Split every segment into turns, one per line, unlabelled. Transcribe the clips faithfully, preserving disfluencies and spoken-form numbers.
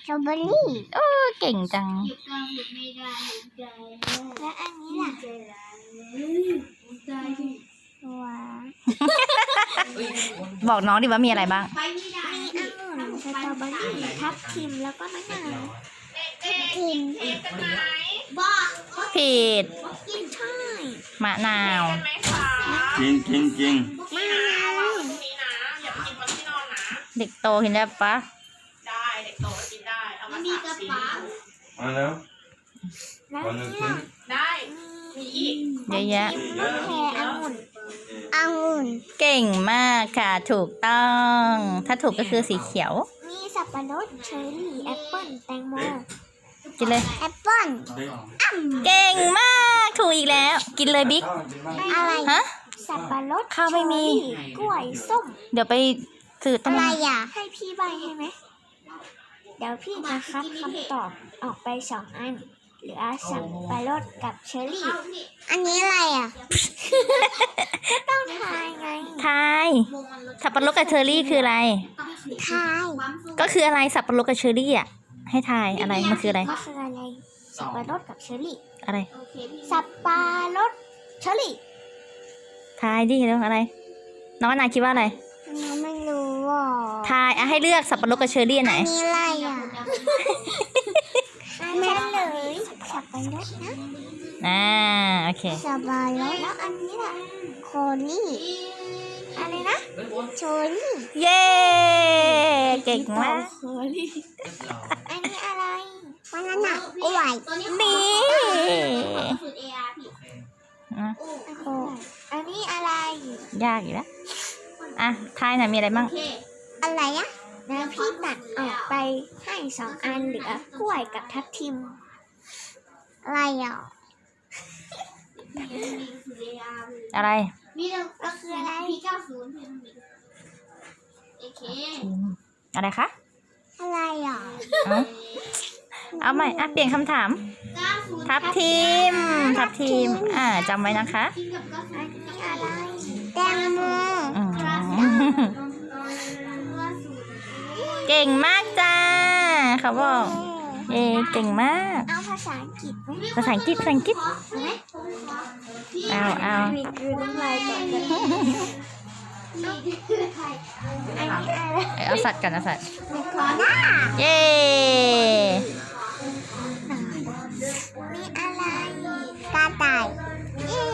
ตรอเบอรี่
โอ้เก่งจัง
และอันนี้ล่ะตัว
บอกน้องดิว่ามีอะไรบ้าง
มีองุ่นสตรอเบอรี่ทับทิมแล้วก็มะนาวทับทิม
ผิด
กินช่าย
มะนาว
จริงจริงจริง
มะนาว
เด็กโตกินได้ปะ
ได้เด็กโตกินได้เอามาสามชิ้น
มาแล้ว
แล้ว
วันหนึ่ง
นี่
ชิ้น
ล่ะ
ได้มีอีก
เยอะแยะ
มะแพรองุ่นองุ่น
เก่งมากค่ะถูกต้อง ถ้าถูกก็คือสีเขียว
มีสับปะรดเชอร์รี่แอปเปิ้ลแตงโม
กินเลย
แอปเปิ้ล
เก่งมาก ถูกอีกแล้ว กินเลยบิ๊ก
อะไร
ฮะ
สับปะรด
ข้าวไม่มี
เชอร์รี่กล้วยส้ม
เดี๋ยวไปสื่อต้
อะ
น
ไรอ่ะให้พี่ใบให้ไหมเดี๋ยวพี่จะคัดคำตอบออกไปสองอันเหลือสับปะรดกับเชอร์รี่ อันนี้อะไรอ่ะ ก็ต้องทายไง
ทายสับปะรดกับเชอร์รี่คืออะไร
ทาย
ก็คืออะไรสับปะรดกับเชอร์รี่อ่ะ ให้ทายอะไร มันคืออะไร
มันคืออะไรสับปะรดกับเชอร์รี่
อะไร
สับปะรดเชอร์รี่
ทายดิเรื่องอะไร น้องอนาคิดว่าอะไร
เราไม่รู้อ่ะ
ทายอ่ะให้เลือกสับปะรดกับเชอร์รี่อันไหน
อันนี้อะไรอ่ะแม่เลยสับปะรดนะ
อ่า โอเค
สับปะรดแล้วอันนี้ล่ะโคนี่อะไรนะโชนี่
เย้ เก่งมาก
อันนี้อะไรวันนั้นน่ะกล้วย
นี่
โอ้อันนี้อะไร
ยากอยู่แล้ว อ่ะ ทายหน่อยมีอะไรบ้าง
อะไรอ่ะแล้วพี่ตัดออกไปให้สองอันเหลือกล้วยกับทับทิม อะไรอ่ะ
อะไร
ก็คืออะไร
อะไรคะ
อะไรอ่ะ
เอาเอาใหม่ อ่ะ เปลี่ยนคำถาม ทับทิม ทับทิม อ่าจำไว้นะคะ
อันนี้อะไรแตงโม
อืมเก่งมากจ้า เขาบอก เย้เก่งมาก
เอาภาษาอังกฤษไหม
ภาษาอังกฤษภาษาอังกฤษ เอาเอา
มีคือน้ำลายก่อนกันอันนี้อะไร
เอาสัตว์กันเอาสัตว์
เมคอน่า
เย้
มีอะไรกระต่ายเย้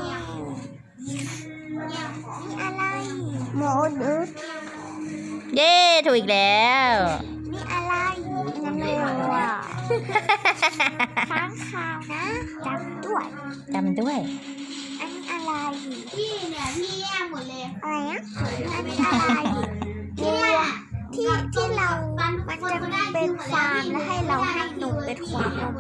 มีอะไรหมูดุด
เย้ถูกอีกแล้ว
มีอะไรน้ำเร็วอ่ะค้างคาวนะจำด้วย
จำด้วย
อันนี้อะไร
พี่เนี่ยพี่แย่หมดเลย
อะไรนะอันนี้อะไรที่ว่าที่ที่เรา มันจะเป็นฟาร์มแล้วให้เราให้หนูเป็นขวานนม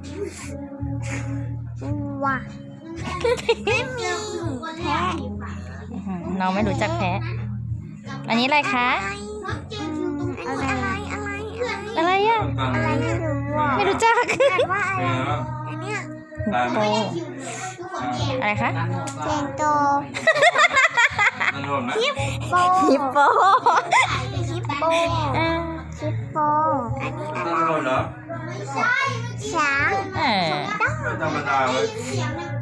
ว้าไม่มีแพะ
อื้อหือน้องไม่รู้จักแพ้ อันนี้อะไรคะ
อะไรอะไรอะไร
อะไรอ่ะ
อะไรไม่รู้อ่ะ
ไม่รู้จัก
แต่ว่าอะไรอันเนี้ย
ตาย
โต อะไรคะ
เจนโต
มันรวมนะ
ฮิปโป
ฮิปโป
ฮิปโป
อ่า
ฮิปโปอันนี้อะไร
มันรวมเหรอ
ช้าง
เออ
ไม่ธรรมดาเว้ย
เสียงเนี่ย